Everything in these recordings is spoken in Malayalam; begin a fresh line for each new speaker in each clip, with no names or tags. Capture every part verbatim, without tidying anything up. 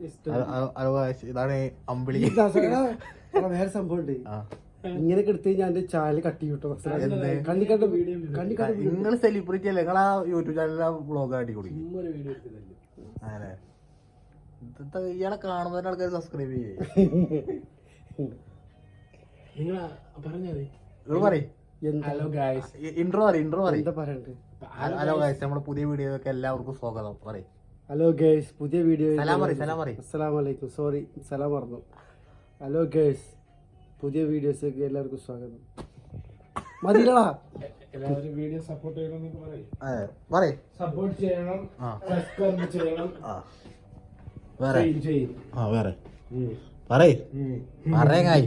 ഇതാണ് അമ്പിളി.
വേറെ സംഭവം ഉണ്ട്, ഇങ്ങനെയൊക്കെ എടുത്ത് ഞാൻ എന്റെ ചാനൽ കട്ട് ചെയ്യൂട്ടോ.
നിങ്ങൾ സെലിബ്രിറ്റി അല്ലേ, നിങ്ങൾ ആ യൂട്യൂബ് ചാനലിൽ വ്ളോഗ് ആട്ടി കൊടുക്കും. അങ്ങനെ ഇയാളെ കാണുന്ന ആൾക്കാർ സബ്സ്ക്രൈബ് ചെയ്യേ. ഇൻട്രോ പറയും ഇൻട്രോ പറയും ഹലോ ഗൈസ്, നമ്മുടെ പുതിയ വീഡിയോക്ക് എല്ലാവർക്കും സ്വാഗതം പറയും.
ഹലോ ഗൈസ്, പുതിയ വീഡിയോ.
സലാം പറയും സലാം പറയും
അസ്സലാമു അലൈക്കും. സോറി സലാം പറഞ്ഞു. ഹലോ ഗൈസ്, പുതിയ വീഡിയോസിലേക്ക് എല്ലാവർക്കും സ്വാഗതം. മതിയില്ലടാ, എല്ലാവരും വീഡിയോ സപ്പോർട്ട് ചെയ്യണം. സപ്പോർട്ട് ചെയ്യണം, സബ്സ്ക്രൈബ് ചെയ്യണം.
വേറെ ആ വേറെ പറയ് പറയായി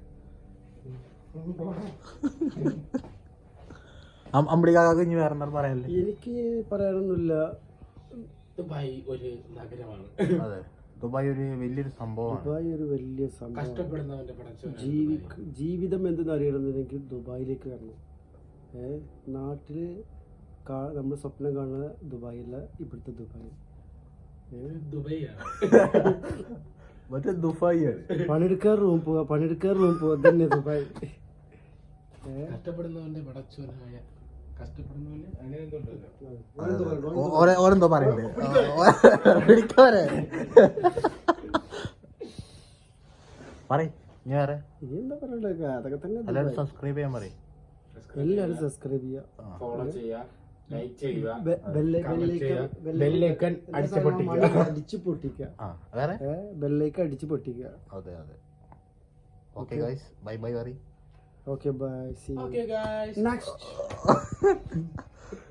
അമ്പിളിക്കാക്ക് ഇനി വേറെ എന്താണ് പറയാനല്ലേ?
എനിക്ക് പറയാനൊന്നുമില്ല.
ദുബായ് ഒരു നഗരമാണ്.
അതെ, ദുബായ് ഒരു വലിയൊരു സംഭവമാണ്.
ദുബായ് ഒരു വലിയ സംഭവം.
കഷ്ടപ്പെടുന്നവന്റെ
ജീവി ജീവിതം എന്തെന്ന് അറിയണമെന്നുണ്ടെങ്കിൽ ദുബായിലേക്ക് വരണം. ഏഹ് നാട്ടില് നമ്മൾ സ്വപ്നം കാണുന്ന ദുബായല്ല, ഇവിടുത്തെ ദുബായ്.
മറ്റേ ദുബായിയാണ്.
പണിയെടുക്കാൻ റൂം പോവാ, പണിയെടുക്കാൻ റൂം പോവാ, തന്നെ ദുബായ്.
കഷ്ടപ്പെടുന്നവന്റെ പടച്ചോനായ കഷ്ടപ്പെടുന്നവന്
ഓരെന്തോ പറയണ്ടേ പറയ് ഇനി വേറെ
എന്താ പറയണ്ടേ? അതൊക്കെ തന്നെ.
എല്ലാവരും സബ്സ്ക്രൈബ് ചെയ്യാൻ പറയും.
എല്ലാവരും സബ്സ്ക്രൈബ് ചെയ്യാം,
ഫോളോ ചെയ്യുക, ലൈക്ക് ചെയ്യുക,
ബെല്ലൈക്കൺ അടിച്ച് പൊട്ടിക്കുക.
വേറെ
ബെല്ലൈക്കൺ അടിച്ച് പൊട്ടിക്കുക.
അതെ അതെ. ഓക്കെ ഗൈസ്, ബൈ ബൈ പറയ്.
Okay, bye. See you.
Okay, guys.
Next.